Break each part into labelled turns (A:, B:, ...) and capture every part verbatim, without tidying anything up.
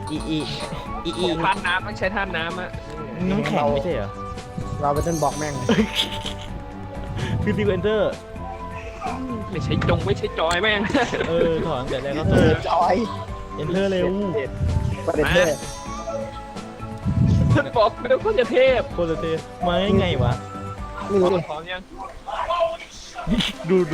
A: อีอีอีอี
B: ท่านน้ำต้องใช้ท่านน้ำอะ
A: น้ำแข็งไม่ใช่เหรอ
C: เราไปเต้นบอกแม่งเลย
A: คือซีเวนเตอร์
B: ไม่ใช่จงไม่ใช่จอยแม่ง
A: เออถอนแต่แรกก็
C: เอ
A: คือ
C: อจอย
A: เอนเตอร์เร็ว
C: ประเด็นเท่
B: ท่านบอกเดี๋ยวก็จะเทพ
A: โคตรเท่มาไงวะ
C: ไม่รู้ดิ
B: พร้อมยัง
A: ดูดู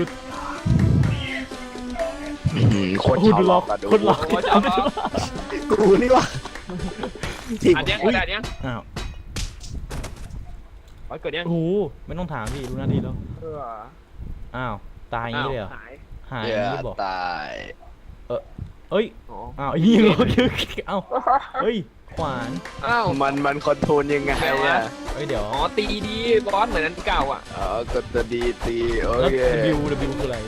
D: โคตร
A: โอ้
D: ชอบ
A: ดู
D: หล
A: ล็
D: อ
A: อก
D: กอะดู
A: คนล็อก
B: โอ้ยเอาเอา
C: กูนี่วะทีม
B: อันยังกดอันยัง
A: อ้าว
B: อ๋อกดยัง
A: โอ้โหไม่ต้องถามพี่รู้หน้าที่แล้ว
B: เออ
A: อ้าวตายอย่างนี้เลยเหรอ
B: หาย
A: หายอ
D: เดี๋ย
A: ย่างนี้
D: ว
A: บอก
D: ตาย
A: เอ้ย
B: อ๋อ
A: อ้าวยิงเหรอเอ้าเฮ้ยขวาน
B: อ้าว
D: มันมันคอนโทรลยังไงอะ
A: เฮ้ยเดี๋ยว
B: อ๋อตีดีบอสเหมือนอันเก่าอ่ะ
D: เออกดตัวดีตีโอ
A: แล้ว
D: เค
A: W W คืออะไร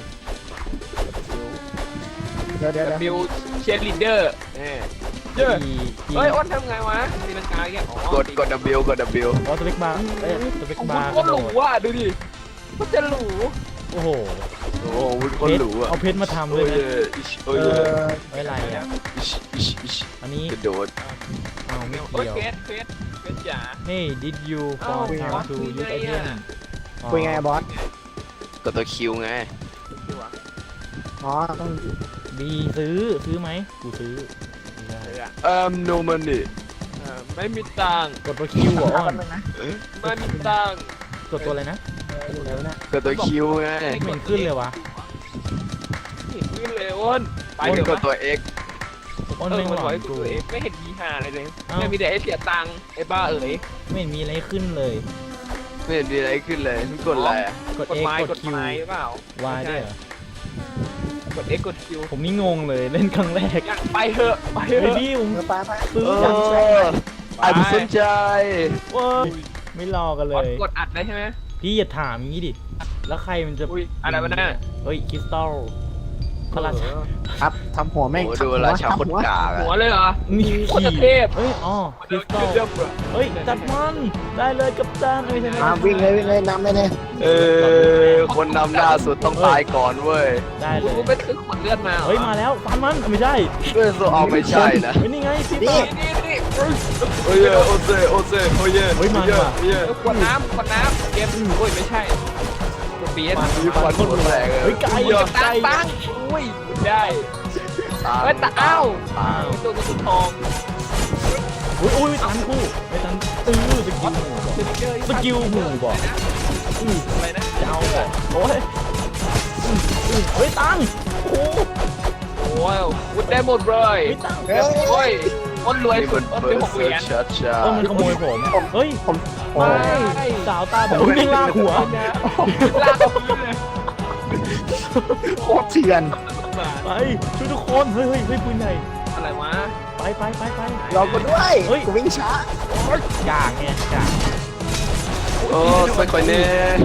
C: เดี๋ยวเดี๋ยวเดี๋ยว
B: บิวเชียร์ลีดเดอร์เอ้ยเยอะ
A: E E
B: เฮ้ยอ้นทำไงวะตีลังกาแกอ๋อก
D: ดกด W กด W
A: อ๋อสเปกบาร์เอ้ยสเปก
B: โอ้โห
A: บาร์
B: โคตรหรูอ่ะดูดิมันจะหรู
A: โอ้โห
D: โอ้โหวุ้นคนหรูอะ
A: เอาเพชรมาทำ
D: โอ้
A: เลย ยนะ
D: อิช
C: เอ
D: โอ้ย
C: อ
A: เอ้ยอะไรอ่ะ
D: อิชอิชอิช
A: อันนี้
D: กระโดด
A: เอาไม่
B: โอ้ย
A: เกี่ยว
B: เฟสเฟสเฟสจ๋า
A: Hey did you
B: อ้าว
A: fall down to
B: คุย
A: use
B: ไง
A: item
B: อะ
C: คุยไงบอส
D: กดตัวคิวไง
C: อ๋อต้อง
A: บีซื้อซื้อไหมกูซื้อไม่ได้
B: เอออะ
D: เอ่อ no money
B: เออไม่มีตังค์
A: กดตัวคิวเหรออ้อน
B: ไม่มีตังค์
A: กดตัวอะไรนะ
C: เดี๋ยวนะ
D: กดตัวคิวไง
A: ไม่เห็นขึ้นเลยวะ
B: เห็นขึ้นเลยอ้นไป
D: อ้น
B: เถอะ
D: กดตัว X
A: อ้อน
B: เออ
A: ไม่ง
B: มัน
A: หล
B: บ
A: อ
B: อก
A: น
B: ให้
A: กู
B: ตัวเองไม่เห็นมีหาอะไรเลย
A: เอ้า
B: ไม่มีแต่ให้เสียตังค์ไอ้บ้าเอ๋ย
A: ไม่เห็นมีอะไรขึ้นเลย
D: ไม่เห็นมีอะไรขึ้นเลยกดอะไรอะ
A: กด
B: กด
A: X
B: ไม้
A: ก
B: ก
A: ด
B: ด
A: Q
B: ไม้เปล่า
A: Y ด้วยเหรอก
B: ด X กด Q
A: ผมนี่งงเลยเล่นครั้งแรก
B: อยากไปเถอะไปเถ
A: เฮ้ย
B: อะ
A: พี่ผม
C: เออไปไป
A: ซื้อ
D: เอ
A: จัง
D: อไอ้ผู้สนใจ
A: เว้ยไม่รอกันเล
B: กด
A: ย
B: กดอัดได้ใช่ไหม
A: พี่อย่าถามอย่างนี้ดิ แล้วใครมันจะ
B: อุ้ยอะไรวะเนี่ย
A: เฮ้ยคริสตัลพระราชา
C: ครับทำหัวแม่ง
D: โอ้ดูราชาคนกาก
B: หัว
D: อะ
B: เลยเหรอ
A: นี่
B: โคตรเทพ
A: เฮ้ยอ๋อคริสตัล
B: เรื่องเบรอ
A: เฮ้ยจัดมันได้เลยกับจานไม่ใช่
C: มาวิ่งเลยวิ่งเลยนำเลยเนี่ย
D: เออคนนำหน้าสุดต้องตายก่อนเว้ย
A: ได้เล
B: กู
A: ย
B: ไปซื้อขวดเลือดมาหรอ
A: เฮ้ยมาแล้วฟันมันไม่ใช่
D: เพื่อนโซเอาไม่ใช่นะ
A: เฮ้ยนี่ไงพี่
C: นี่
A: ต่อ
B: นี่นี่
D: โอ้ยโอเซโอเซโอ้ย
A: เฮ้ยมันว่ะ
D: โอ้ย
B: เออขวดน้ำขวดน้ำเกมโอ้ยไม่ใช่กดเปียน
D: มีควันหัวแตกเลย
A: เฮ้ยไก่
B: อุ้ย
A: ไก่
B: ตังตังอุ้ยได้เฮ้ยตาอ้าว
A: อ้าว
B: ตัวตัวทอง
A: อุ้ยอุ้ยตันคู่ไอ้ตันตื้อสกิลหมู่บอกสกิลหมู่บอกอื้อ
B: อะไรนะ
A: จะเอาบอกโอ้ยอื้ออื้อเฮ้ยตังโอ้โห
B: โอ้ยวุ้นได้หมดเลย
A: เฮ้ยตัง
C: เฮ้ย
B: โอ้ยอ้นรวย
D: มีค
B: สุด
D: น
B: อ้น
D: เปิ
B: เป็น
D: ด
B: หกเห
D: เซิ
B: รี
D: ร์
B: ย
D: ช
B: ญ
D: ชัดชา
A: เออมันขโมยผมเฮ้ย
C: ผมโอ้
A: ไม่สาวตาแบบวิ่งลากหัว
B: ลากเอาพื้นเลย
C: โคตรเถื่อน
A: ไปช่วยทุกคนเฮ้ยเฮ้ยเฮ้ยปืนใหญ่
B: อะไรวะ
A: ไปไปไปไป
C: รอกูด้วย
A: เฮ้ย
C: กูวิ่งช้า
A: กางไงกาง
D: โอ้สวยกว่านี้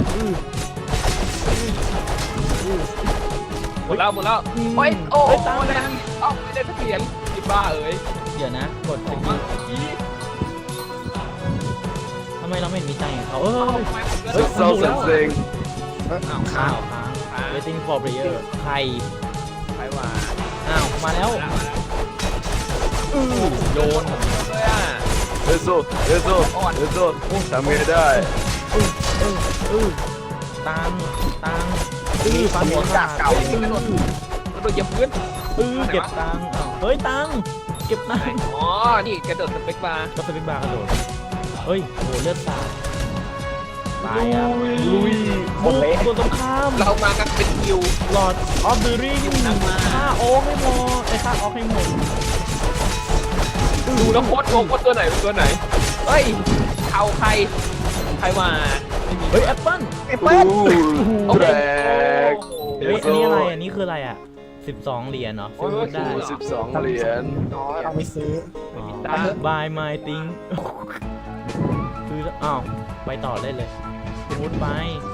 B: หมดแล้วหมดแล้วโอ้ยโอ้ยตามเลยเอ้าไม่ได้สักเหรียญไอ้บ้าเอ๋ย
A: เดี๋ยวนะกดส
B: ผม
A: กิ
B: ว่า
A: ล
B: เมื่อกี้
A: ทำไมเราไม่เห็นมีใจของเขาเออ
B: เอ้าทำไมผม
A: เฮ้
B: เลื
A: ย
B: อก
D: เซลสันเซ็ง
B: อ้าว
A: ข้าวค้าง waiting for player ใคร
B: ใครว่า
A: อ้าวมาแล้วอื้อโยน
B: เลยอ่ะ
D: เอโซเอโซเอโซทำไงได้
A: อื้ออื้ออื้อตังตังอื้อฟันหัวขาด
C: เก่า
B: เฮ้ยกระโดดกระโดดเหยียบพื้น
A: อื้อเก็บตังอ้าวเฮ้ยตังเก็บตัง
B: อ๋อนี่กระโดดสเปกบาร์
A: ก็สปิกบาร์กระโดดเฮ้ยโหเลือดสาดตายอ่ะลุยบุกตัวตรงข้าม
B: เรามากันเป็นคิว
A: หลอดออฟเดอะริง
B: นำมา
A: ฆ่าโอ๊กให้หมดไอ้ฆ่าออกให้หมด
B: ดูแล้วโคตรงงว่าตัวไหนเป็นตัวไหนเฮ้ยเอาใครใครว่าไม่มี
A: เฮ้ยแอปเปิ้ล
C: ไอ้เปิ้ล
D: อู้แบก
A: เฮ้ยอันนี้อะไรอันนี้คืออะไรอ่ะสิบสองเหรียญเนาะซื้อได้
D: สิบสองเหรียญ
C: อ๋อเอาไปซื้อ
A: อ๋อ buy my thing ซื้อแล้วอ้าวไปต่อได้เลยมุดไป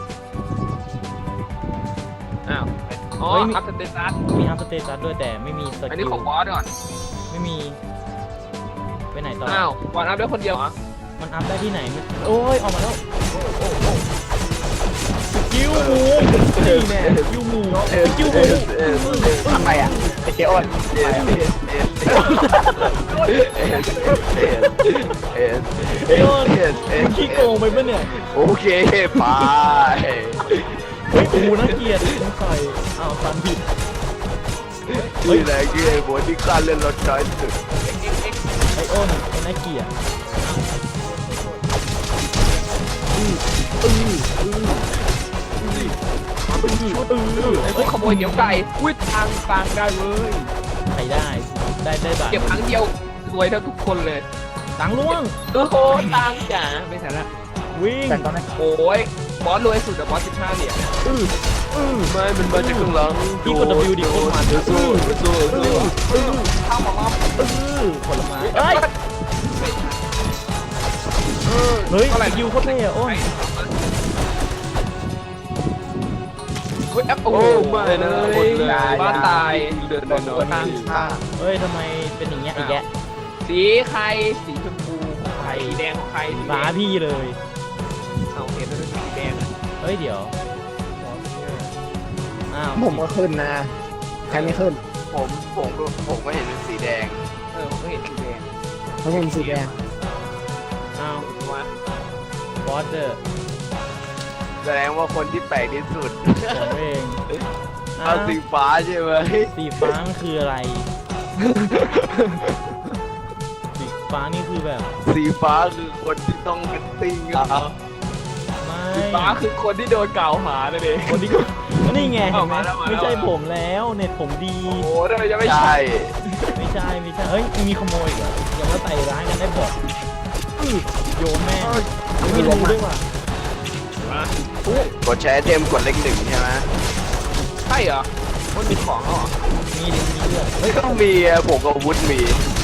B: อ้าวอ๋อ
A: เฮ้ยมี
B: อัพสเตตัส
A: มีอัพสเตตัสด้วยแต่ไม่มีส
B: อัน
A: กิ
B: นี้
A: ล
B: ของบอสก่อน
A: ไม่มีไปไหนต่อ
B: อ้าวบอสอัพได้คนเดียวเหรอ
A: มันอัพได้ที่ไหนมันโอ้ยออกมาแล้วโอ้โอ้โอ้กิวหมูนี่แน่กิวหมูกิวหมู
C: ทำไมอ่ะไอ้เจ้อ้น
D: เอสเอสเอสเอส
A: ไอ้โอนมึงขี้โกงไปปะเนี่ย
D: โอเคไป
A: เฮ้ยกูน่าเกลียดมึงใส่อ้าวตันผิด
D: นี่แหละคือไอ้หัวที่ข้าเล่นรถน้อยสุด
A: ไอ้โอนไอ้น่าเกลียดอืออืออือมาเป็นชุดอือ
B: ไอ้พวกขโมยเหนียวไก่อุ้ยทางทางได้เว้ย
A: ใครได้ได้ได้แบบ
B: เก็บครั้งเดียวรวยเท่าทุกคนเลย
A: ตังล่วง
B: โอ้โหตังจ๋าไม่ใช่ละ
A: วิ่ง
C: แต่ตอนนั้น
B: โอ้ยบอสรวยสุดอะบอสสิบห้าเหรียญ
A: อืออือ
D: ไม่มันมาจากข้างหลัง
A: พี่กด W ดิโคตรมัน
D: สู้สู้สู้สู้
B: ข้าวหมอม
A: อือผลไม้เอ้ยเฮ้ยสกิลโคตรเท่อะโอ้น
B: เฮ้ยแอปโอ้
D: โอ้
B: โห
D: ไม่นะหมดเลย
B: บ้านตาย
D: เดินนอนนอน
C: ฆ่า
A: เฮ้ยทำไมเป็นอย่างเงี้ยอีกแก
B: สีใครสีชมพูของใครสีแดงของใคร
A: ฟ้าพี่เลย
B: เอาเห็นแล้วเป็นสีแดงอะ
A: เฮ้ยเดี๋ยวอ้าว
C: ผมก็ขึ้นนะใครไม่ขึ้น
D: ผมผมก็ผมก็เห็นเป็นสีแดง
B: เออผมก็เห็นสีแดง
C: เขาเป็นสีแดง
A: อ้าว
B: ว่า
A: บอสเดอร์
D: แสดงว่าคนที่แปลกที่สุด
A: ผมเองอ้า
D: เอา
A: ว
D: สีฟ้าใช่ไหม
A: สีฟ้ามันคืออะไร สีฟ้านี่คือแบบ
D: สีฟ้าคือคนที่ต้องเป็นติงอ่ะ
A: ไม่
B: สีฟ้าคือคนที่โดนกล่าวหาเลยดิ
A: คนที่ก็นี่ไงเห็นไหม
B: เอามาแล้วมาแล้ว
A: ไม่ใช่ผมแล้วเน็ตผมดี
B: โอ้โหทำไมจะไม่
D: ใช่
B: ใช่
A: ไม่ใช่ไม่ใช่เฮ้ยมีขโมยอีกเหรออย่ามาใส่ร้ายกันได้บอกอื้อโยนแม่งไม่รู้ด้วยว่ะ
D: กดใช้ไอเทมกดเลขหนึ่งใช่ไหม
B: ใช่เหรอคนมีของเหรอ
A: มีดิมีเลือด
D: ไม่ต้องมีอะผมกับวุฒิมี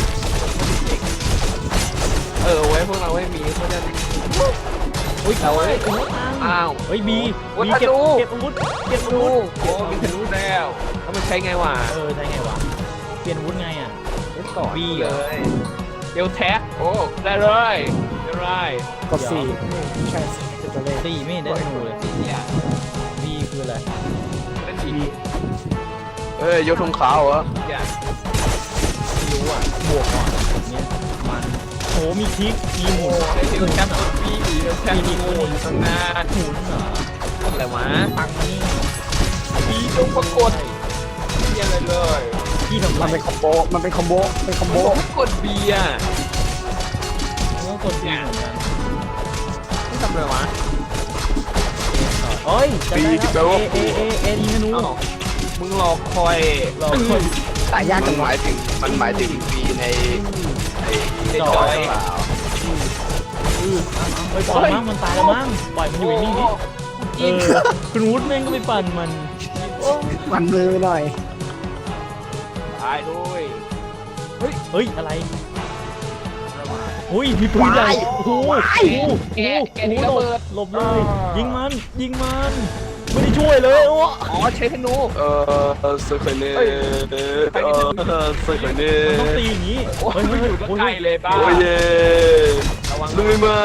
B: เออไว้พวกเราไม่มีเพราะฉะนั้น
A: อุ้ยเอาไว้โอ้ย
B: อ้าว
A: เฮ้ยบี
B: วั
A: บี
B: ฒ
A: เก็บ
B: นู
A: เก็บอาวุธเก็บอา
B: ดู
A: วุธ
B: โอ้มีทะลุแล้วแล้วมันใช้ไงวะ
A: เออใช่ไงวะเปลี่ยนอาวุธไงอ่ะ
B: ต่อ
A: บี
B: เล
A: เหรอย
B: เดี๋ยวแท็กโอ้ได้เลยได้เลย
C: กดสี่ใช่เป็นตัวเลข
A: ตีไม่เห็นได้ธนูเลย
B: เนี่ย
A: บีคืออะไร
B: เล่นดี
D: เอ้ยยกธงขาวเหรอ
B: อย่าง
A: ไม่รู้อ่ะบวกก่อนแบบเนี้ยมันโอ้มีคลิกมีหมุน
B: ไอ้ที่มันแคปปีเดี๋ยวแคปมีงูอยู่ตรงหน้า
A: หมุนเหรอ
B: อะไรวะ
A: ตังค์นี่
B: ปีจงปรากฏเยี่ยเลยเลย
A: พี่ทำไร
C: มันเป็นคอมโบมันเป็นคอมโบเป็นคอมโบ
B: โอ้กดบีอ่ะ
A: มันก็กดบีเหมือนกัน
B: ไม่ทำอะไรวะ
A: เฮ้ยจำได้แล้วเอเอเอเอยิงธนู
B: อ้าวมึงรอคอย
A: เราคน
C: ตายยาก
D: มั
C: จั
D: น
C: ง
D: ห
C: วะ
D: มายถึงมันหมายถึงปีในในในจอยหรือเปล่า
A: อือไปปล่อยมั้งมันตายแล้วมั้งปล่อยมันอยู่นิ่งนี่เออคุณวุฒิแม่งก็ไปปั่นมัน
C: มันมือหน่อย
B: ตายด้วย
A: เฮ้ยอะไรอุ้ยมีปืนใหญ่โอ้โหโอ้โหโอ้โหหลบหลบเลยยิงมันยิงมันไม่ได้ช่วยเลยโอ้
B: อ๋อใช้ธนู
D: เออสเคเน่เออสเคเน่
A: มันต้องตีอย่างนี้
B: โอ้ย
A: เฮ้ย
B: มัน
A: เฮ้ย
B: อยู่ก็
A: โอ้ย
B: ไกลเลยบ้า
D: โอ้ยเย่
B: ระวัง
D: ลุยมัน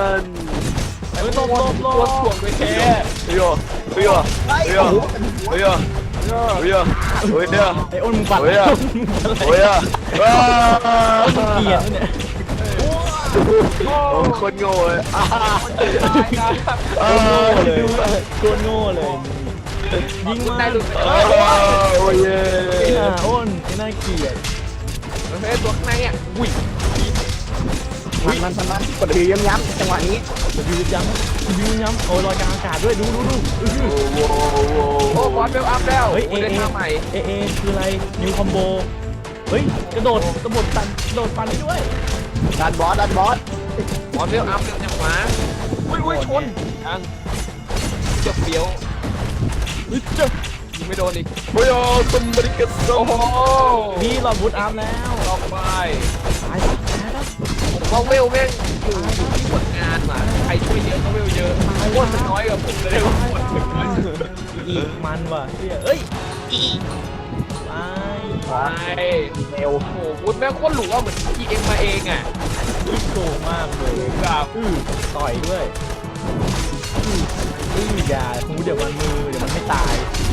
A: เฮ้ยหลบหลบหล
B: ตัว
A: บ
B: ถ่วงด้วยแท้
D: เฮ้ยเฮ้ยเฮ้ยเฮ้ยเฮ้ยเฮ้ยเฮ้ย
A: ไอ้อ้นมึงปั่น
D: โอ้ยอะ โอ้ยอ่ะว้า
A: มึงเกลียดเนี่ย
D: โอ้คนโง่เลยอ่า
A: โคตรโง่เลยโคตรโง่เลยยิงมัน
B: ได้หลุด
D: โอ้ยเย่
A: ไอ้หน้าอ้นไอ้หน้าเกลียด
B: เฮ้ยตัวข้างในอ่ะอุ้ย
C: มันมันมันมันกดดีย้ำๆจังหวะนี้
A: บิวย้ำบิวย้ำโอ้ยลอยกลางอากาศด้วยดูดูดู
D: โอ้โห
B: โอ้บอลเบลอัพแล้ว
A: เฮ้ย
B: โอ้
A: เอ
B: ได้
A: เอ
B: ท่าใหม่
A: เอเอคืออะไรนิวคอมโบเฮ้ยกระโดดกระโดดปันกระโดดปันได้ด้วย
C: ดันบอสดันบอส
B: บอลเบลอัพเร็วจังหวะอุ้ยอุ้ยชนยังจะเฟี้ยว
A: เฮ้ยเจ้า
B: ยิงไม่โดนอีก
D: โอ้ยสมบัติกส
B: โอ้
D: ม
B: โห
A: พี่หลอดบูทอัพแล้ว
B: ออกไป
A: ตายแล้วตายแล้ว
B: ผมว่าเวลแม่งอยู่ที่ผลงานว่ะใครช่วยเยอะก็เวลเยอะโคตรมันน้อยกับผมเลยว่าคนถึงน้อย
A: อีกมันว่ะเฮ้ยเอ้ยอีไป
B: ไป
C: เร็ว
B: โอ้โหวุ้นแม่งโคตรหรูอ่ะเหมือนทีเอ็มมาเองอ่ะ
A: ยิ่งโกงมากเลย
B: แบบ
A: อื้อต่อยด้วยอื้ออย่าหูเดี๋ยวมันมือเดี๋ยวมันไม่ตาย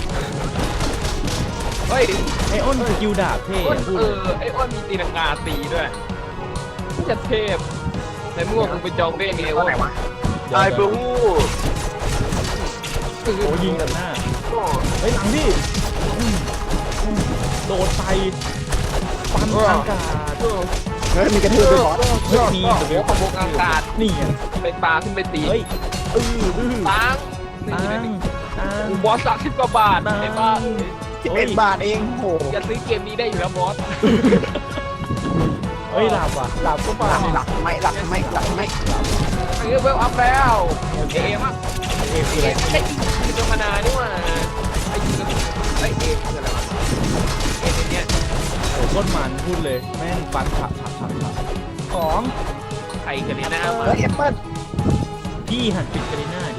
B: เฮ้ย
A: ไอ้อ้นสกิลดาบเท่
B: อ้น
A: พูด
B: เออไอ้อ้นมีตีลังกาตีด้วยจะเทพในเมื่อมึงไปจองเบ้งไงวะ
D: ตายเบอร์ฮู
A: โอ้ยิงตัดหน้าเฮ้ยหลังพี่อืมอืมโดดใส่ฟันอากาศ
C: เฮ้ยมีกระทืบด้วยบอส
A: เฮ้ยมี
B: โอ้
A: แต่
B: โห
A: เดี๋ยว
B: ขบวอากาศ
A: นี่ไง
B: ไปปลาขึ้นไปตี
A: เฮ้ยอื้ออื้อ
B: ตัง
A: ตังตัง
B: บอสสามสิบกว่าบาทไอ้บ้า
C: สิบเอ็ดบาทเองโห
B: จะซื้อเกมนี้ได้อยู่แล้วบอส
A: เฮ้ยหลับว่ะหลับก็
C: ห
A: ป่า
C: ลักหลักไม่หลักไม่หลักไม่
B: ไอ้เวลอัพแล้วเอมอ่ะ
A: เอฟ
B: เอ
A: อะไร
B: มไอ้ยิงธรรมดานี่ว่าไอ้ยิงไอ้เอมคืออะไรวะเอมเนี้ย
A: โอ้โคตรมันพูดเลยแม่งฟันฉับฉับฉับฉับของ
B: ไอ้กันนี่นะมา
C: เฮ้ยแอปเปิ้ล
A: พี่หันปิดกระดิ่งหน้าดิ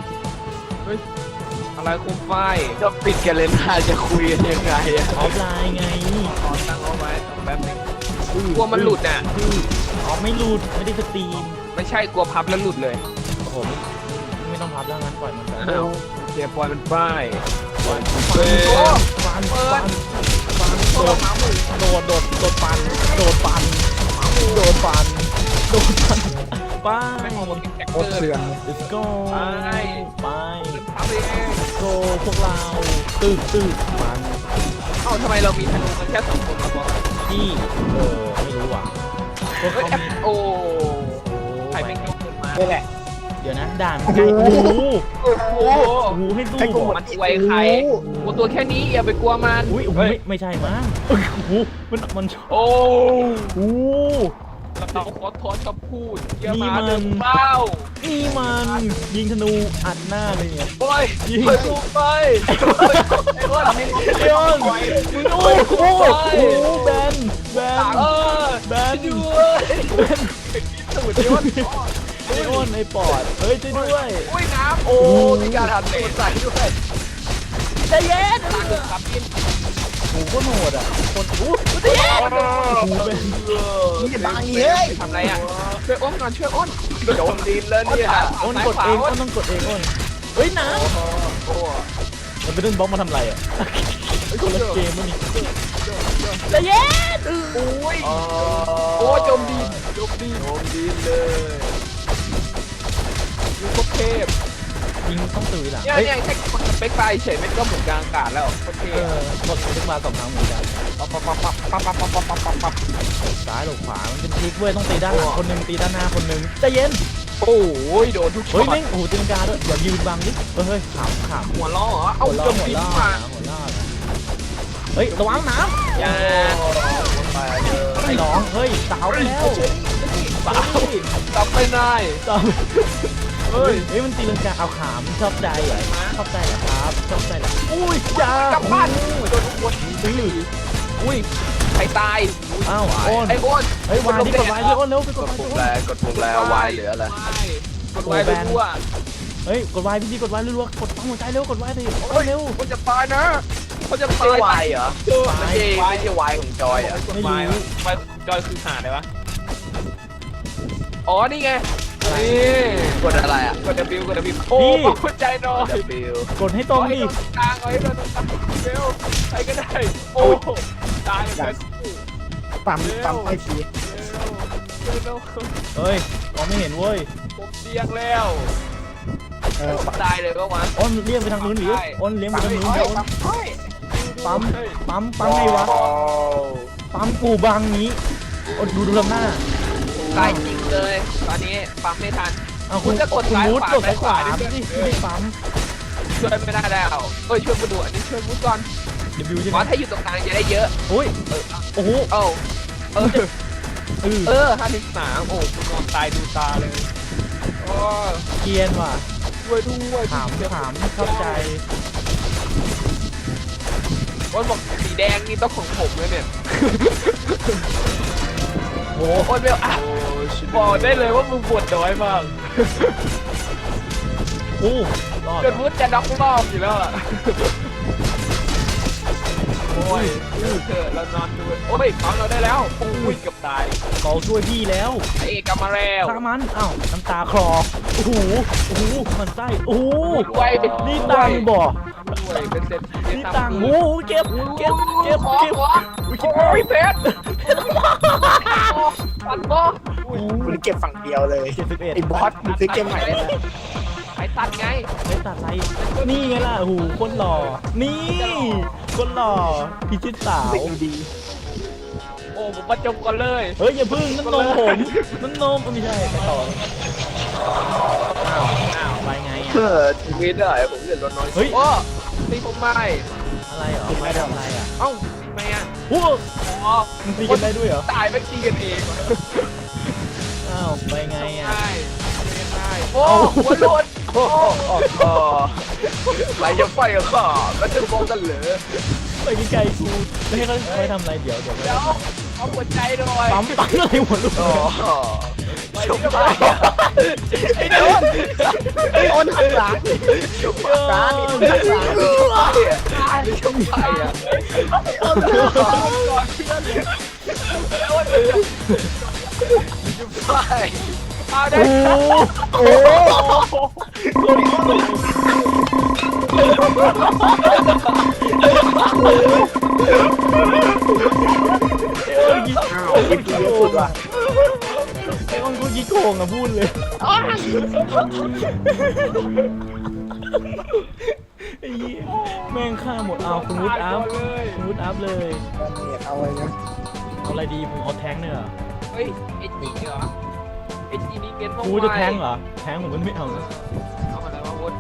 B: อะไรคุมไฟ
D: จะปิดกันเลยน่าจะคุยกันยังไงอะ
A: ออฟไลน์ไง
B: ขอตั้งเอาไว้แป๊บนึงกลัวมันหลุดอ่ะ
A: อ๋อไม่หลุดไม่ได้สตรีม
B: ไม่ใช่กลัวพับแล้วหลุดเลย
A: โอ้โหไม่ไม่ต้องพับแล้วงั้นปล่อยมันไป
B: อ้าวเสียปล่อยมันป้าย
A: ฟัน
B: เปิด
A: ฟัน
B: เปิ
A: ฟั
B: ด
A: นฟันโดดโดดโดดโดดฟันโดดฟันโดดฟันโดดฟันไป
B: ไม่มองมันเป็นแท็ก
C: โค
B: เก
C: ตร
B: อ
C: เถื่อน
B: ร์
C: เลย
A: let's go
B: ไป
A: ไป
B: พับเอง
A: โกพวกเราตึกตึกมัน
B: เอ้าทำไมเรามีธนูกันแค่สองคนมาบอก
A: ที่เออไม่รู้ว่ะพวก
B: เฮ้ย
A: เขา
B: แอป
A: มี
B: โอ้
A: โอ้
B: ใครไม่ยกขึ้นมา
C: นี่แหละ
A: เดี๋ยวนะด่านมันใกล้โอ้โห
B: โอ้โห
A: โอ้โหให้ดู
C: ให้กูหมด
B: มันอวยใครโอ้ตัวแค่นี้อย่าไปกลัวมัน
A: อุ้ยโอ้โห
B: เฮ้ย
A: ไม่ไม่ใช่มั้งโอ้โหมันมัน
B: โอ้
A: โอ้
B: เราขอถอนคำพูดเยี่ย
A: นี่
B: มา
A: มัน
B: เดินเป้า
A: นี่มันยิงธนูอัดหน้าเลยเนี่ย
B: โอ้ย
A: ยิง
B: ไปดูไปไอ้อ้วน
A: เดี๋ยวมึงโอ้โหโอ้โหแบนแบน
B: เออ
A: แบน
B: ด้วย
A: แบน
B: สูดยอด
A: ไอ้อ้นไอ้ปอดเฮ้ยช่วยด้วย
B: อุ้ยน้ำโอ้มีการหันเตะใส่ด้วย
A: ใจเย็น
B: ตาดึงครับพี่
A: โอ้โหโคตรโหดอ่ะคนอู้ใจเย็นโอ้โหแบน
C: มึงจะบังนี่เฮ้ย
B: ทำไรอ่ะช่วยอ้นก่อนช่วยอ้น
D: โดนดินแล้วเนี่ย
A: อ้นกดเองอ้นต้องกดเองอ้นเฮ้ยน้ำ
B: โอ้
A: มันเป็นเรื่องบล็อกมาทำไรอ่ะคนละเกมมั้งนี่ใจเย็น
B: โอ้ย
D: อ๋อ
B: โอ้โจมดีโจมดี
D: โดนดินเลย
B: ยูโคเทพ
A: ยิงต้องตื่นหลัง
B: เนี่ย
A: เฮ้ย
B: เนี่ยแค่กดสเปคไฟเฉยไม่ก็หมุนกลางอากาศแล้วโคเท
A: เอ
B: พ
A: อกดขึ้นมาสองครั้งเหมือนกัน
B: ปั๊บปั๊บปั๊บปั๊บปั๊บปั๊บปั๊บปั๊บปั๊บ
A: ซ้ายหรือขวามันเป็นทริกเว้ยต้องตีด้านหลังคนหนึ่งตีด้านหน้าคนหนึ่งใจเย็น
B: โอ้ยโดนทุกช็
A: เฮ้
B: อย ต
A: แม่งโอ้โหตีลังกาด้วยอย่ายืนบังดิเฮ้ยขำขำ
B: หัวล้อเหรอเอา
A: หัวล้อ
B: โจม
A: หัว
B: ดี
A: ล้อ
B: มา
A: หัวล้อเฮ้ยระวังน้
B: อย่า
D: ไปเลย
A: ำไอ้น้องเฮ้ยสาวไปแล้ว
B: สาวจำไม่ได้
A: สาวเฮ้ยเฮ้ยมันตีลังกาเอาขามชอบใจเหรอชอบใจเหรอครับชอบใจเหรออุ้ยจ้าก
B: ลับบ้านโดนทุกคน
A: ตื้อ
B: อุ้ยใครตาย
A: อ้าวโอน
B: ไอ้อ้น
A: เฮ้ยวางที่กดไว้ที่โอนเร็วไปก
D: ก
A: ด
D: ด
A: ไว้
D: ปุ่ม
A: ที่
D: แร
A: โอน
D: กดปุ่มแรวายเหลืออะไร
B: กดไว้ไปทั่ว
A: เฮ้ยกดไว้พี่ดีกดไว้รัวๆกดปั๊มหัวใจเร็วกดไว้ดิโอนเร็ว
B: คนจะตายนะคนจะ
D: ไม่
B: ตา
D: ใช่
B: ยว
D: ายเหรอ
B: เจอ
D: ไม่ใช่ไม่ใช่วายของจอยเหรอ
B: กดไว้ไว้จอยคือหาได้ปะอ๋อนี่ไงนี่
D: กดอะไรอ่ะ
B: กด W กด W โอ้คนใจหน่อย
D: W
A: กดให้ตรงดิ
B: กลางเอาให้โดนตรงกลางเร็วใครก็ได้โอ้ตายเลย
C: ปั๊มปั๊มไอที
B: เร็วเร็ว
A: เฮ้ยมองไม่เห็นเว้ย
B: ผมเตียงแล้ว
C: เออ
B: ตายเลยก็วะ
A: อ้นเลี้ยงไปทางนู้นหรืออ้นเลี้ยงไปทางนู้นเดี๋ยวอ้น
C: ปั๊มเฮ้ย
A: ปั๊มปั๊มปั๊มไงวะปั๊มกูบังนี้อ้นดูดูลำหน้า
B: ตายจริงเลยตอนนี้ปั๊มไม่ทัน
A: เอาคุณ
B: คุณจะกด
A: คุณ
B: ซ้าย
A: วูด
B: ขวาก
A: ดซ้ายขวา
B: ซ้ายขวา
A: ดิ
B: ดิ
A: ไม่ได้ปั๊ม
B: ช่วยไม่ได้แล้วเอ้ยช่วยมาดูอันนี้ช่วยมุดก่อน
A: เดบิวใช่
B: ห
A: ไห
B: ม
A: ม
B: อถ้าอยู่ตรงกลางจะได้เยอะ
A: โอ้ยโอ้โห
B: เอ้าเออ
A: เออ
B: เออห้าสิบสามโอ้คุณนอนตายดูตาเลยโอ้
A: เกียนว่ะ
B: ช่วยด้วย
A: ถามถามเข้าใจ
B: อ้นบอกสีแดงนี่ต้องของผมเลยเนี่ย
A: โอ้
B: อ้นเบลอ่ะบอกได้เลยว่ามึงปวดน้อยมาก
A: โอ้รอด
B: จนมุดจะน็อกรอบอยู่แล้วอ่ะ
A: โ
B: โอ้ยเลิกเถอะเรานอนดูโอ้ยปั๊มเราได้แล้วโอ้ยเกือบตาย
A: เราช่วยพี่แล้ว
B: ไอเอกกลับมาแล้ว
A: ฆ่ามันอ้าวน้ำตาคลอโอ้โหโอ้โหมันไส้โอ้โห
B: ด้วย
A: นี่ตังค์บ่
B: ด้วยเป็นเศรษฐี
A: นี่ตังค์โอ้โหเก็บเก็บเก็บ
B: ขอ
A: เก็บ
B: ขอโอ้ยเพชรปัดบ่
C: มึงเก็บฝั่งเดียวเลย
A: เจ็ดสิบเอ็ด
C: ไอ้บอสมึงซื้อเกมใหม่ได้ไหม
B: ไอ้ตัดไง
A: ไม่ตัดอะไรนี่ไงล่ะโอ้โหคนหล่อนี่คนหล่อพิชิตสาว
C: สิ่งดี
B: โอ้ผมประจบก่อนเลย
A: เฮ้ยอย่าพึ่งนั่นนมผมนั่นนมไม่ใช่ไปต่ออ้าวอ้าวไปไง
D: เอ
A: อ่ะ
D: อชีวิตได้ผมเดือดร้อนน้อย
A: เฮ้ย
B: โอ้ตีผมไม่
A: อะไรเหรอไม่ทำอะไรอ่ะ
B: เอ้าทำไมอ่ะ
A: โอ้โห
B: อ๋อ
A: มันตีกันได้ด้วยเหรอ
B: ตายไม่ตีกันเอง
A: อ้าวไปไงอ่ะ
B: ใช่ใช่โอ้หัวหลุด
D: โอ้โหไหลจะไฟกับข้าแล้วจะฟ้องกันเหรอ
A: ไปไกลๆกูไม่ให้เขาไปทำอะไรเดี๋ยวเดี๋ยว
B: เดี๋ยวเอาหัวใจหน่อย
A: ปั๊มปั๊มอะไรหัวลูก
D: โอ้โห
B: ไปที่กระบะ
C: ไอ้โดนไอ้โอนหันหลัง
D: ชุบปากนี่มันหลังชุบไปอ่ะชุบไปอ่ะ
C: โอนหันหลัง
D: ชุบไป
B: เอาได้
A: โอ้โหคนที่โตเอ้ย
C: อ้าวยิงกูเยอะสุดว่ะ
A: ไอ้อ้อนกูยี่โกงอ่ะพูดเลยไอ้เหี้ยแม่งฆ่าหมดเอาคุณวุฒิอัพคุณวุฒิอัพเลย
C: เนี่ยเอาเลยนะ
A: เอาอะไรดีผมเอาแท้งเนี่ยเหรอ
B: เฮ้ยไอ้จีเหรอไอ้จีนี่เกณฑ์ต้อง
A: กูจะแท้งเหรอแท้งผมก็ไม่เอานะ
B: เอาอะไรมาวุ้น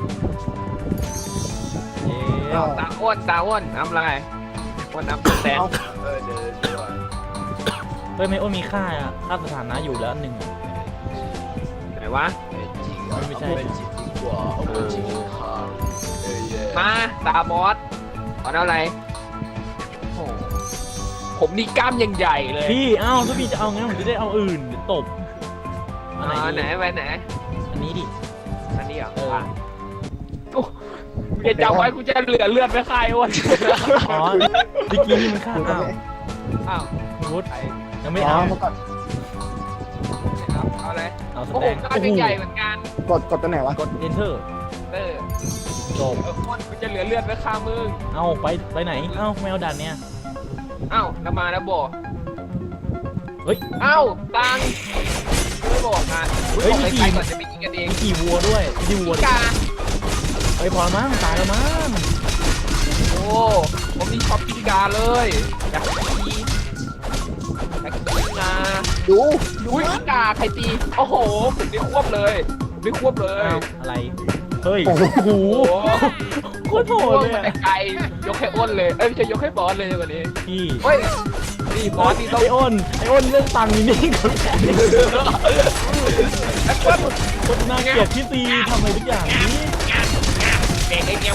A: เอ๊ะ
B: ตาอ้วนตาอ้วนน้ำอะไรอ้วนน้ำแตง
D: เออเดินดีกว่า
A: เฮ้ยไม่โอ้มีค่าอะค่าสถานะอยู่แล้วหนึ่งอะ
B: ไหนวะ
D: จริงอ่ะเป็นจริงดีกว่าเอาจริงค่ะเออเย่
B: มาตาบอสเอาอะไรโอ้ผมนี่กล้ามยังใหญ่เลย
A: พี่เอ้าถ้าพี่จะเอางั้นผมจะได้เอาอื่นเดี๋ยวตบอันไหน
B: อ่าไหน
A: ดี
B: ไปไหน
A: อันนี้ดิ
B: อันนี้เหรอ
A: เออ
B: วะโอ้เดี๋ยวจับไว้กูจะเหลือเลือดไม่คายอ้วน
A: อ๋อดิกี้นี่มันค่าอ้าว
B: อ้าว
A: คุณวุฒิ
B: ไป
A: ยังไม่
C: อ๋อ
A: เอา
C: เมื่อก่อน
B: เอาเอาอะไร
A: เอาส
B: โอ้โห
A: แต็ก
B: กล้ามยังใหญ่เหมือนกัน
C: กดกดตัวไหนวะ
A: กด enter
B: เออ
A: จบ
B: เอออ้วนกูจะเหลือเลือดไม่คามึง
A: เอาไปไปไหนเอ้าไม่เอาด่านเนี้ย
B: อ้าวน้ำมาแล้วบอก
A: เฮ้ย
B: อ้าวตังไม่บอกอ่ะ
A: เฮ้ย
B: บอก
A: มี
B: ใคร
A: กี่
B: ๆก่อนจะไปกินกันเอง
A: มีขี่วัวด้วยไม่ใช่วัว
B: พี่กา
A: เฮ้ยพอแล้วมั้งตายแล้วมั้ง
B: โอ้ผมนี่ชอบพี่กาเลยอยากกินอยากกินนะ
C: ดูดู
B: อุ้ยพี่กาใครตีโอ้โหผมได้ควบเลยผมได้ควบเลย
A: อ้าวอะไรเฮ้ย
C: โอ้โห
A: โอ้โห
B: โอ้
A: โคตรโหดเลย
B: แต่
A: อะ
B: ไกลยกให้อ้นเลยเอ้ยไม่ใช่ยกให้บอสเลยวันนี้
A: พี่
B: เฮ้ยนี่บอสนี่ต้อง
A: ไออ้นไออ้นเรื่องตังค์นี่นี่คนแก่
B: แอปเปิ้ล
A: คนน่าเกลียดพี่ตีทำอะไรทุกอย่างนี้
B: เด็กไอ้เงี้ย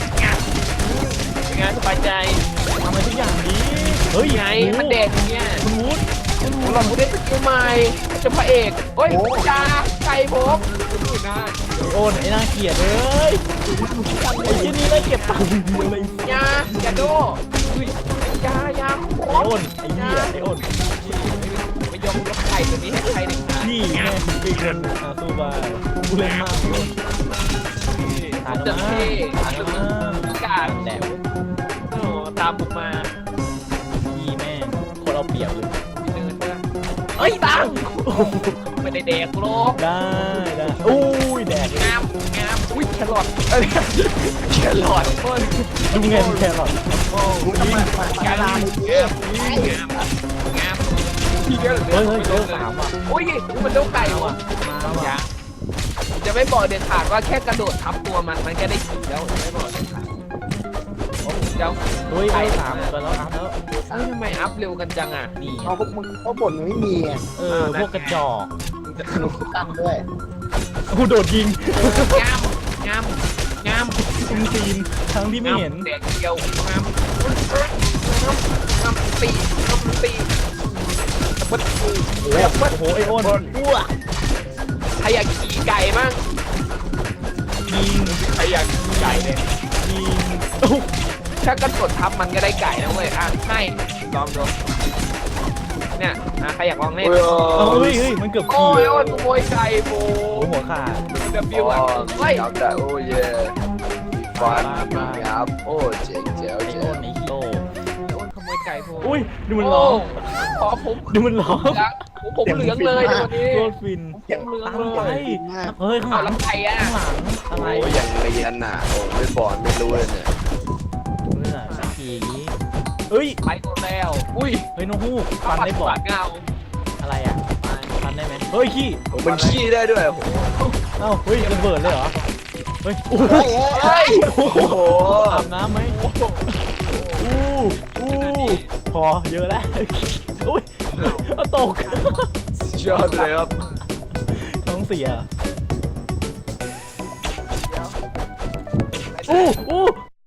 B: เป็นไงสบายใจ
A: ทำอะไรทุกอย่างนี้เฮ้ย
B: ไงมันเด็กอย่างเงี้ย
A: คุณวุฒิ
B: คุณหนูเราได้สกิลใหม่จะพระเอกเฮ้ยจ้าไก่ผมดูหน้า
A: ไออ้นไอน่าเกลียดเลยไอ้ที่นี่น่าเกลียดตังค์เดียวเลย
B: ยาอย่าโดอุ้ยยายา
A: ไออ้นไอเหี้ยไออ้น
B: ไม่ยอมยกไข่ตัวนี้ให้ใครหนึ่งนะ
A: พี่แม่ถึงเป็นคนอาสู้บ้ากูเล่นมากเลยตาย
B: จะ
A: แล้ว
B: เท่
A: มั้งตายแล้วมั้ง
B: กาด
A: แหลม
B: โอ้ตามผมมา
A: พี่แม่งคนเอาเปรียบเลย
B: เดินมาเฮ้ยตังไม่ได้เด็กโลก
A: ได้ได้อุ้ยแดดเลย
B: งามงามอุ้ยแครอทเอ้ยแครอทเฮ้ย
A: ดูเงินแครอท
C: กูทำไมมา
B: แครอท
C: เยอะ
B: งามงามพี่เยอะ
A: เฮ้ยเฮ้ยเฮ้ยสามอ่ะ
B: อุ้ยมันเด้าไก่ว่ะ
A: มาว่ะ
B: ยังจะไม่บอกเด็ดขาดว่าแค่กระโดดทับตัวมันมันก็ได้ขี่แล้วไม่บอกเด็ดขาดเจ้า
A: เฮ้ยได้สามกันแล้วอัพแล้ว
B: เฮ้ยทำไมอัพเร็วกันจังอ่ะ
A: นี่
C: เอาพวกมึงเขาบ่นมันไม่มีอ่ะ
A: เออพวกกระจอก
C: มึงตั้งด้วย
A: กูโดดยิง
B: งามงามงาม
A: คุมซีนทั้งที่ไม่เห็น
B: แดกเดียวงามงามตีงามตีตะบัดกู
A: โอ้โหโอ้โหไอโอนอ้ว
B: ใครอยากขี่ไก่บ้าง
A: ยิง
B: ใครอยากขี่ไก่เนี่ย
A: ยิงโอ้โห
B: ถ้ากระโดดทับมันก็ได้ไก่นะเว้ยอ่ะให้ลองดูเนี่ยอ่ะใครอยากลองเล่น
D: โอ้ย
A: เอาเฮ้ยเฮ้ยมันเกือบ
B: โอ้
A: ขี่
B: ยโอ้ยขโมยไก่โบ
A: โอ้หัวขาด
B: ดับบิวอ่ะเฮ้ย
D: จับได้โอ้ยเย่ฟันครับโอ้เจ๋งเจ๋ว
A: ไอ้
D: เจ๋
A: โน่
D: วน
A: ไอ้โล
B: โอ้ยขโมยไก่โบ
A: อุ้ยดูมันร้อง
B: ขอผม
A: ดูมันร้อง
B: เหลืองผมเหลืองเลยในวันนี้
A: โคตรฟิน
B: ผมเหลือง
A: ตาม
B: เล
A: ไป
B: ย
A: เฮ้ยข้างห
B: เอา
A: ลัง
B: แล้วไก่อ่ะ
A: ข้างหลังอะไร
D: โอ้ยยังเรียนน่ะโอ้ไม่บอลไม่รู้เลยเนี่ย
A: เลือดขี่อย่างนี้เฮ้ย
B: ไปหมดแล้วอุ้ย
A: เฮ้ยนกฮูกฟันได้บอด
B: เงา
A: อะไรอ่ะฟันได้ไหมเฮ้ยขี้
D: โอ้มันขี้ได้ด้วยโอ้โห
A: เอ้าเฮ้ยระเบิดเลยเหรอเฮ้ยโอ้โห
C: เฮ้ย
D: โอ้โห
A: อาบน้ำไหมอู้อู้พอเยอะแล้วอุ้ยเอาตก
D: ยอดเลยครับ
A: ท้องเสียอู้อู้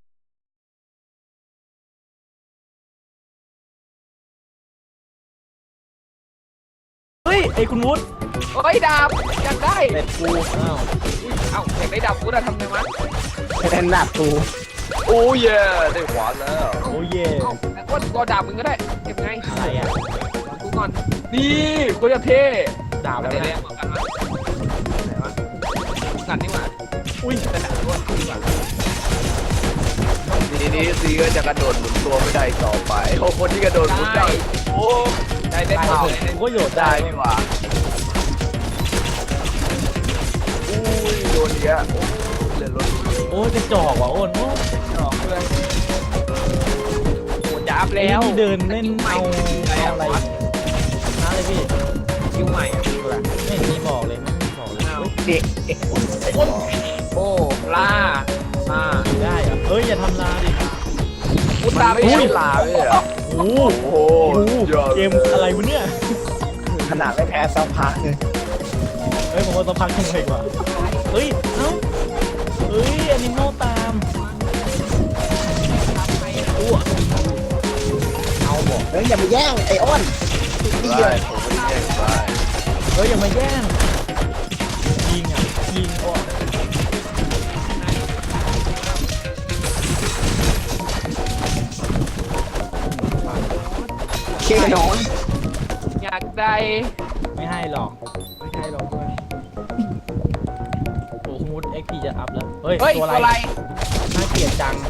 A: เฮ้ยไอ้คุณวุฒิ
B: เฮ้ยดาบอยากได้
A: เน็ตกูอ้าว
B: อุ้ยเอ้าอยากได้ดาบกูจะทำไงวะ
C: เป็นหนักกู
D: โอ้ยเย่ได้หวานแล้ว
A: โอ้เย่
B: เอ้าแต่ก็ก็ดาบมึงก็ได้เก็บไง
A: อะไรอ่ะ
B: กูก่อนนี่กูจะเท่
A: ดาบ
B: อะ
A: อะไร ไร
B: แร
A: เนี่ย
B: งเหมือนกันวะไหนวะกันนี่หว่า
A: อุ้ย
B: แต่ดาบกูดีกว่า
D: ทีนี้ซีก็จะกระโดดหมุนตัวไม่ได้ต่อไปโอ้คนที่กระโดดหมุนได้โอ้
B: ได้ได้หมดเลย
A: กูก็โยด
D: ได้
A: ได้
D: นี่หว่าอุ้ยโดนเยอะโอ้เล่นรถ
A: โอ้ยกระจอกว่ะโอนโอ้
B: ดอกเพื่อนโอ้จับแล้ว
A: นี่เดินเล่นเอา
B: อะไร
A: เอา
B: อะ
A: อะไร
B: วะ
A: นะอะไรพี่
B: คิวใหม่อะคืออะไร
A: ไม่เห็นมีบอกเลยไม่มีบอกเลย
B: อ้าว
C: เด็กเด็ก
B: โอ้ล่าล่า
A: ได้เหรอเฮ้ยอย่าทำลาดิ
B: กู
D: มัน
B: ตาม
D: ไม่
B: ไม่
D: ใช่
B: ใช่
D: ลาไม่ใช่เหรอ
A: โอ้โห
D: โอ้โห
A: โอ้โห
D: ยอด
A: เกมอะไรวะเนี่ย
C: ขนาดไม่แพ้สักพักเลย
A: เฮ้ยผมว่าต้องพักยังไงกว่าเฮ้ยเอ้าเฮ้ยแอนิมอลตามอ้วเอาบอก
C: เฮ้ยอย่ามาแย่งไอ้อ้นเหี้ย
D: ได้ผมไม่ได้แย่งไป
A: เฮ้ยอย่ามาแย่งยิงอ่ะยิงโอ้
C: เคน้อย
B: อยากได้
A: ไม่ให้หรอกไม่ให้หรอกเพื่อนโอ้โหมูดเอ็กพีจะอัพแล้วเฮ้ย
B: เฮ้ย
A: ตัว
B: ตัว
A: อะ
B: อะไร ไร
A: น่าเกลียดจัง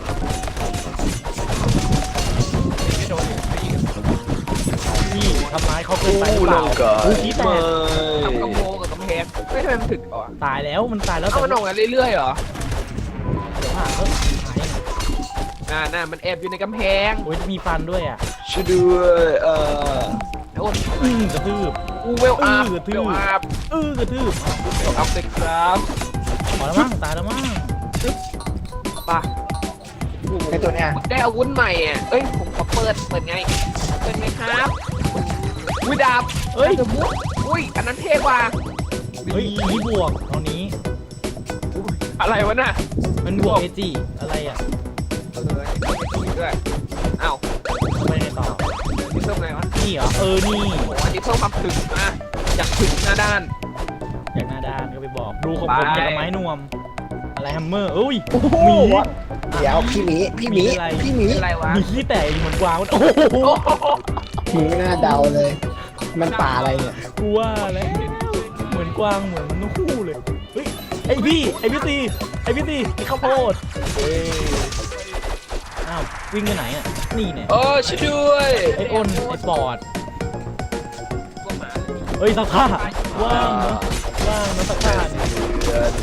B: ไม่โดนอีกที
A: พี่ทำร้ายเขาเกินไปหรือ
D: อู้
A: เป
D: ล
A: ล่าง
D: ก่อน
A: อู้ขี้แต
D: ไม่
A: ก
B: ทำกระโปรงกับกำแพงไม่ทำไมมันถึกอ่ะ
A: ตายแล้วมันตายแล้ว
B: เอามันออกมาเรื่อยๆเหรอ
A: เดี๋ยวหาเอ้ยหาย
B: น่าน่ามันแอบอยู่ในกำแพง
A: โอ้ยมีฟันด้วยอ่ะ
D: ช่วยด้วยเอ่อ
B: โอ้ย
A: อื้อกระทืบ
B: กูเวลอัพ
A: เออทื่
B: เว
A: อ
B: ลอัพ
A: อื้อกระทืบ
B: เวลอัพเลยครับ
A: พอแล้วมั้งตายแล้วมั้ง
B: ป่ะ
C: ไอ้ตัวเนี้ย
B: ได้อาวุธใหม่อ่ะเอ้ยผมขอเปิดเปิดไงเปิดไงครับอุ้ยดาบ
A: เฮ้ย
B: ดาบมุกอุ้ยอันนั้นเท่กว่า
A: เฮ้ยอีบวกตอนนี้
B: อะไรวะน่ะ
A: มันบวกเอจีอะไรอ่ะ
B: เออด้วยอ้าว
A: ทำไมในต่อ
B: นี่เพิ่มไงวะ
A: นี่เหรอเออนี่
B: โอ้อันนี้เพิ่มความถึกนะอยากถึกหน้าด้าน
A: อย่างหน้าด้านก็ไปบอกดูของผม
B: ไป
A: อย่างกับไม้นวม อะไรแฮมเมอร์เอ้ย
C: โอ้โห
A: หมี
C: เดี๋ยวพี่หมีพี่หมี
A: มีอะไร
C: พี่หมี
B: เป็นอะไรวะ
A: มีขี้แตกเหมือนกวางโอ้โห
B: โอ้โห
C: หมีหน้าเดาเลย มันป่าอะไรเนี่ย
A: กูว่าแล้วเหมือนกวางเหมือนนกคู่เลยเฮ้ยไอพี่ไอพี่ตีไอพี่ตีไอข้าวโพดเอ้ยอ้าววิ่งไปไหนอ่ะนี่เนี่ย
D: เออช่วยด้วย
A: ไออ้นไอปอด
B: พวกหมา
A: เฮ้ยสักผ้าว่างเนอะว่างเนอะสักผ้าเนี่ย
D: เดิน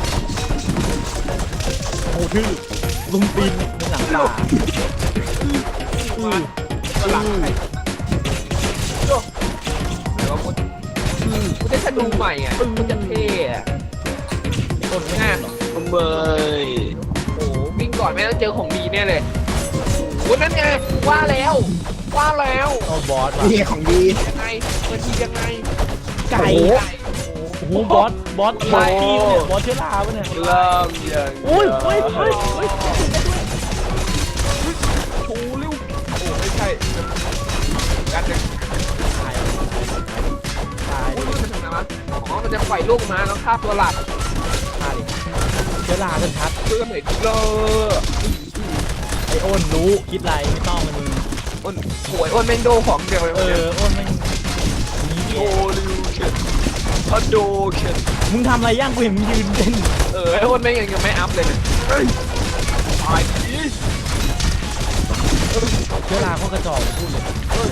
A: โอ้ชื่อลุงตีนในหลังตาอือ
B: ก็หลังใครโย่หรือว่าคุณคุณได้ธนูใหม่อ่ะคุณจะเท่อะ
A: ไออ้นไม่งานหรอก
D: ทำไม
B: โอ้โหวิ่งก่อนไม่ต้องเจอของดีแน่เลยโอ้นั่นไงว่าแล้วว่าแล้ว
A: เอาบอสว่ะ
C: นี่ของดี
B: ยังไงมันทียังไง
A: ไก่
C: โอ้โห
B: ไก่
A: โอ้โหบอสบอสบอสกี้เนี่ยบอสเชื้อราปะเนี่ย
D: เริ่มอย่าง
A: โอ้ยเฮ้ยเฮ้ยเฮ้ย
B: ชูเร็วโอ้ไม่ใช่กันเนี่ย
A: ตายตาย
B: โอ้ยมันทำไงวะอ๋อมันจะปล่อยลูกมาแล้วฆ่าตัวหลัก
A: ตายเชื้อราชัด
B: เพื่อเห็นเลย
A: ไอโอนรู้คิดไรไม่ต้องมันมึง
B: อ้นโวยอ้นแม่งโดของเดียวเลย
A: เออโอนมันนี่
D: โอ้ลิวเคนฮัลโหลเคน
A: มึงทำอะไรย่างกูเห็นมึงยืนเต้น
B: เออไอ้อ้นแม่งยังยังไม่อัพเลยเนี่ย
D: ตายที
A: เชื้อราเขากระจอกพูดเลย
B: โอ้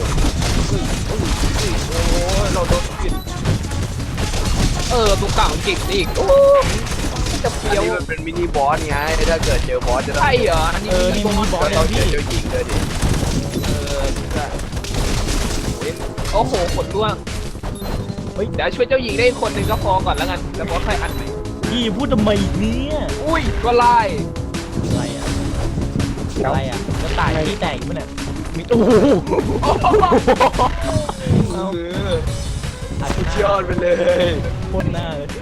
B: ยเราโดนกินเออตัวเก่าเก่งอีกโอ้จะ
D: อัน
B: เฟี้ยว
D: นี้มันเป็นมินิบอสไงถ้าเกิดเจอบอสจะต้อง
B: ใช่เหรออันนี้
A: เออนี่มันมีบอส
D: ก็
A: เล
D: ต้อง
A: ย
D: เจ
A: พี่
D: อเจ้าหญิงเลยดิ
B: เออโอ้โหขนร่วง
A: เฮ้ย
B: เดี๋ยวช่วยเจ้าหญิงได้คนหนึ่งก็พอก่อนแล้วกันแล้วบอสค่อยอันใหม่
A: พี่พูดทำไมเนี่ย
B: อุ้ยก็ไล่
A: อะไรอ่ะอะไรอ่ะจะตายที่แตกมั้ยเนี่ยมีโอ้โหเอา
D: เออ
A: อัดห
D: สุด
A: น้าย
D: อดไปเลย
A: พ่นหน้าเลย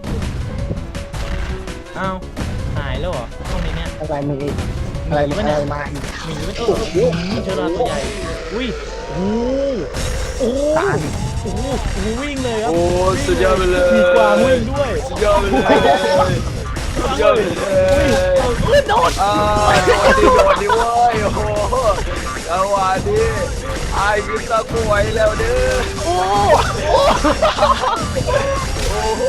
A: เอ้าหายแล้วเหรอห้องนี้เนี่ย
C: อะไรมึงอีกอะไรมึงอะไรมาอีก
A: หมีมันเออเออมีเชื้อราตัวใหญ่อุ้ยโอ้โหโอ้โหโอ้โหโอ้โหวิ่งเลยครับ
D: โอ้สุดยอดไปเลย
A: มีกวางวิ่งด้วย
D: สุดยอดไปเลยสุดยอดไปเลย
A: เอ้ยโดน
D: อ่าโดนดิโดนดิเว้ยโอ้โหจังหวะนี้ไอ้กินตะกรวยแล้วเด้อ
A: โอ้
D: โอ้โห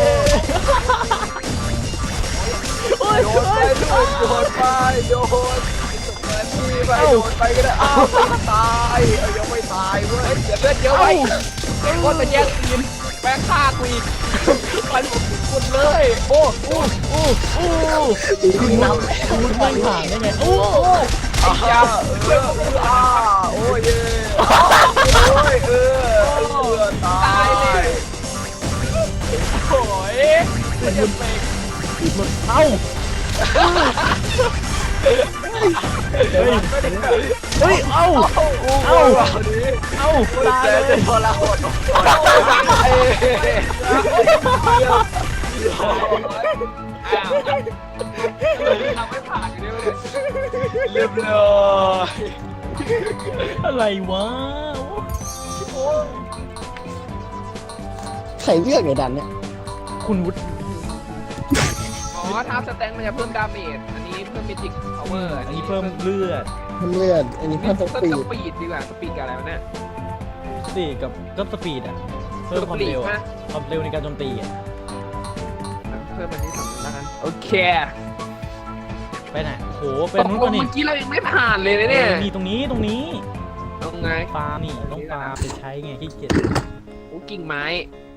A: โอ้ย
D: โดนไปลูกโดนไปโดนนี่ไปโดนไปก็ได้อ้าวไม่ตายเอายังไม่ตายเว้ย
B: เดี๋ยวเลือดเยอะไว้ไอ้อ้นมันแย่งซีนแม่งฆ่ากูอีกมันคุดเลยโอ้โอ้
A: โอ้โอ้
C: คุณนำ
A: คุณไม่ผ่านได้ไงโอ้
D: อ้าวเอออ้าโอ้ยเย่โอ้ยเออเออตายเลย
B: โหยมันจะเป็น
A: เอ้าเฮ้ยเฮ้ยเอ้า
D: เอ้าวันนี้
A: เอ้าตาย
D: แต่
A: เล
D: จะ
A: ย
D: ทรหด
B: เอ้ย
D: เ
B: อ้าวทำไม่ผ่านอยู่ด้วย
D: รียบร้อย
A: อะไรวะ
C: ใครเลือกไอ้ดันเนี่ย
A: คุณวุฒิ
B: อ๋อท้าสแตนมันจะเพิ่มดาเมจอันนี้เพิ่มเมจิกพาวเวอร์
A: อันนี้เพิ่มเลือด
C: เพิ่มเลือดอันนี้
B: เพิ่
C: เพิ่
B: ม
C: ม
B: ส
C: สปีด
B: ปีดดีกว่าสปีดกับอะไรวะเนี่ย
A: สี่กับก็สปีดอ่ะเพิ่มความเร็ว
B: สปีด
A: อะ
B: นะ
A: ความเร็วในการโจมตีอ่ะ
B: เพิ่มอันนี้สองแล้วกันโอเค
A: ไปไหนโอ้โหเป็นนู้นป่ะนี่
B: เมื่อกี้เรายังไม่ผ่านเลยนะเนี่ย
A: นี่ตรงนี้ตรงนี้
B: ตรงไง
A: ฟาร์มนี่ต้องฟาร์มจะใช้ไงขี้เกียจ
B: โอ้กิ่งไม้